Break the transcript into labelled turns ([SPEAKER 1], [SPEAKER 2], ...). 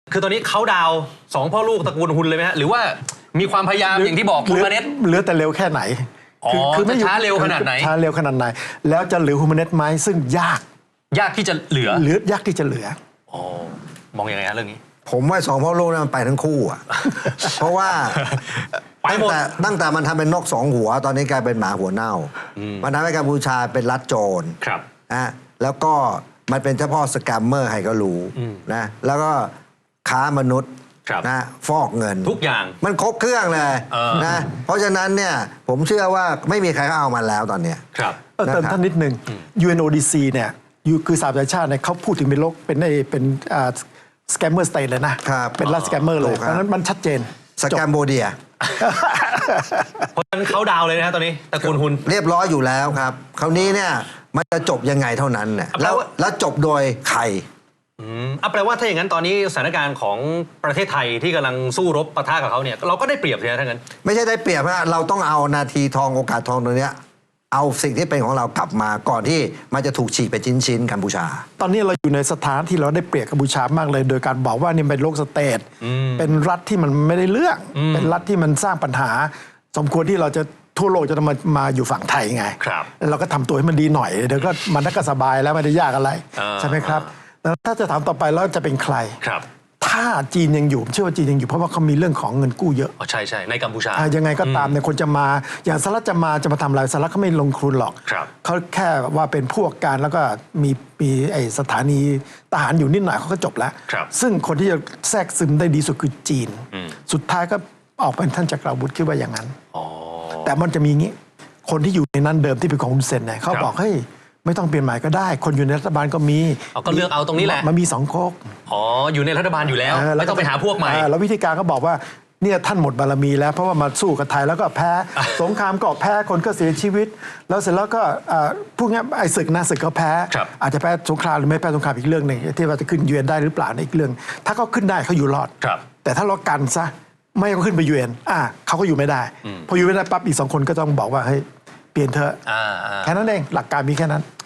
[SPEAKER 1] คือตอนนี้เขาดาวสองพ่อลูกตระกูลฮุนเลยไหมฮะหรือว่ามีความพยายามอย่างที่บอกคุณมาเน็ต
[SPEAKER 2] เหลือแต่เร็วแค่ไหน
[SPEAKER 1] คือไม่ช้าเร็วขนาดไหน
[SPEAKER 2] ช้าเร็วขนาดไหนแล้วจะเหลือฮูมาเน็ตไหมซึ่งยาก
[SPEAKER 1] ที่จะเหลื
[SPEAKER 2] อยากที่จะเหลือ
[SPEAKER 1] มองยังไงฮะเรื่องนี้
[SPEAKER 3] ผมว่าสองพ่อลูกนั้นมันไปทั้งคู่อ่ะ เพราะว่าตั้งแต่มันทำเป็นนกสองหัวตอนนี้กลายเป็นหมาหัวเน่ามันทำให้กัมพูชาเป็นรัฐโจรแล้วก็มันเป็นเฉพาะสแกมเมอร์ให้ก็รู้นะแล้วก็ค้ามนุษย์นะฟอกเงิน
[SPEAKER 1] ทุกอย่าง
[SPEAKER 3] มันครบเครื่องเลยนะเพราะฉะนั้นเนี่ยผมเชื่อว่าไม่มีใครเอามันแล้วตอนเนี้ย
[SPEAKER 2] เติมท่านนิดนึง UNODC เนี่ยคือสหประชาชาติเนี่ยเขาพูดถึงเป็นโลกเป็นสแกมเมอร์สเตทเลยนะเป็นรัฐสแกมเมอร์เลยเพราะฉะนั้นมันชัดเจน
[SPEAKER 3] สแกมโบเดีย
[SPEAKER 1] เพราะฉะนั้นเขาดาวเลยนะตอนนี้ตระกูลฮุน
[SPEAKER 3] เรียบร้อยอยู่แล้วครับคราวนี้เนี่ยมันจะจบยังไงเท่านั้นเนี่ยแล้วจบโดยใคร
[SPEAKER 1] แปลว่าถ้าอย่างนั้นตอนนี้สถานการณ์ของประเทศไทยที่กำลังสู้รบปะทะกับเขาเนี่ยเราก็ได้เปรียบใช่ไหมทั้งนั้น
[SPEAKER 3] ไม่ใช่ได้เปรียบนะเราต้องเอานาทีทองโอกาสทองตัวเนี้ยเอาสิ่งที่เป็นของเรากลับมาก่อนที่มันจะถูกฉีกไปชิ้นกัมพูชา
[SPEAKER 2] ตอนนี้เราอยู่ในสถานที่เราได้เปรียบกัมพูชามากเลยโดยการบอกว่านี่เป็นโลกสเตทเป็นรัฐที่มันไม่ได้เลือกเป็นรัฐที่มันสร้างปัญหาสมควรที่เราจะทั่วโลกจะมาอยู่ฝั่งไทยไงเราก็ทำตัวให้มันดีหน่อยเดี๋ยวก็มันก็สบายแล้วไม่ได้ยากอะไรใช่ไหมครับแล้วถ้าจะถามต่อไปแล้วจะเป็นใครถ้าจีนยังอยู่เชื่อว่าจีนยังอยู่เพราะว่าเขามีเรื่องของเงินกู้เยอะ
[SPEAKER 1] ใช่ในกัมพูชา
[SPEAKER 2] ยังไงก็ตามเนี่ยคนจะมาอย่างสหรัฐจะมาทำอะไรสหรัฐเขาไม่ลงทุนหรอกเขาแค่ว่าเป็นพวกการแล้วก็มีไอสถานีทหารอยู่นิดหน่อยเขาก็จบแล้วซึ่งคนที่จะแทรกซึมได้ดีสุดคือจีนสุดท้ายก็ออกเป็นท่านจักรวุฒิคิดว่าอย่างนั้นแต่มันจะมีงี้คนที่อยู่ในนั้นเดิมที่เป็นของฮุนเซนเนี่ยเขาบอกเฮ้ยไม่ต้องเปลี่ยนหมายก็ได้คนอยู่ในรัฐบาลก็มี
[SPEAKER 1] ก็เลือกเอาตรงนี้แหละ
[SPEAKER 2] มันมี2ก๊ก
[SPEAKER 1] อยู่ในรัฐบาลอยู่แล้วไม่ต้องไปหาพวกใหม่
[SPEAKER 2] แล้ววิธีการก็บอกว่าเนี่ยท่านหมดบารมีแล้วเพราะว่ามาสู้กับไทยแล้วก็แพ้สงครามก็แพ้คนก็เสียชีวิตแล้วเสร็จแล้วก็พวกนี้ไอ้ศึกก็แพ้อาจจะแพ้สงครามหรือไม่แพ้สงครามอีกเรื่องหนึ่งที่ว่าจะขึ้นยูเอ็นได้หรือเปล่าในอีกเรื่องถ้าเขาขึ้นได้เขาอยู่รอดแต่ถ้าเรากันซะไม่เขาขึ้นไปยูเอ็นเขาก็อยู่ไม่ได้พออยู่ไม่ได้ปั๊บอีก2 คนก็ต้องบอกว่าเฮ้ยเปลี่ยนเถอะแค่นั้นเองหลักการมีแค่นั้น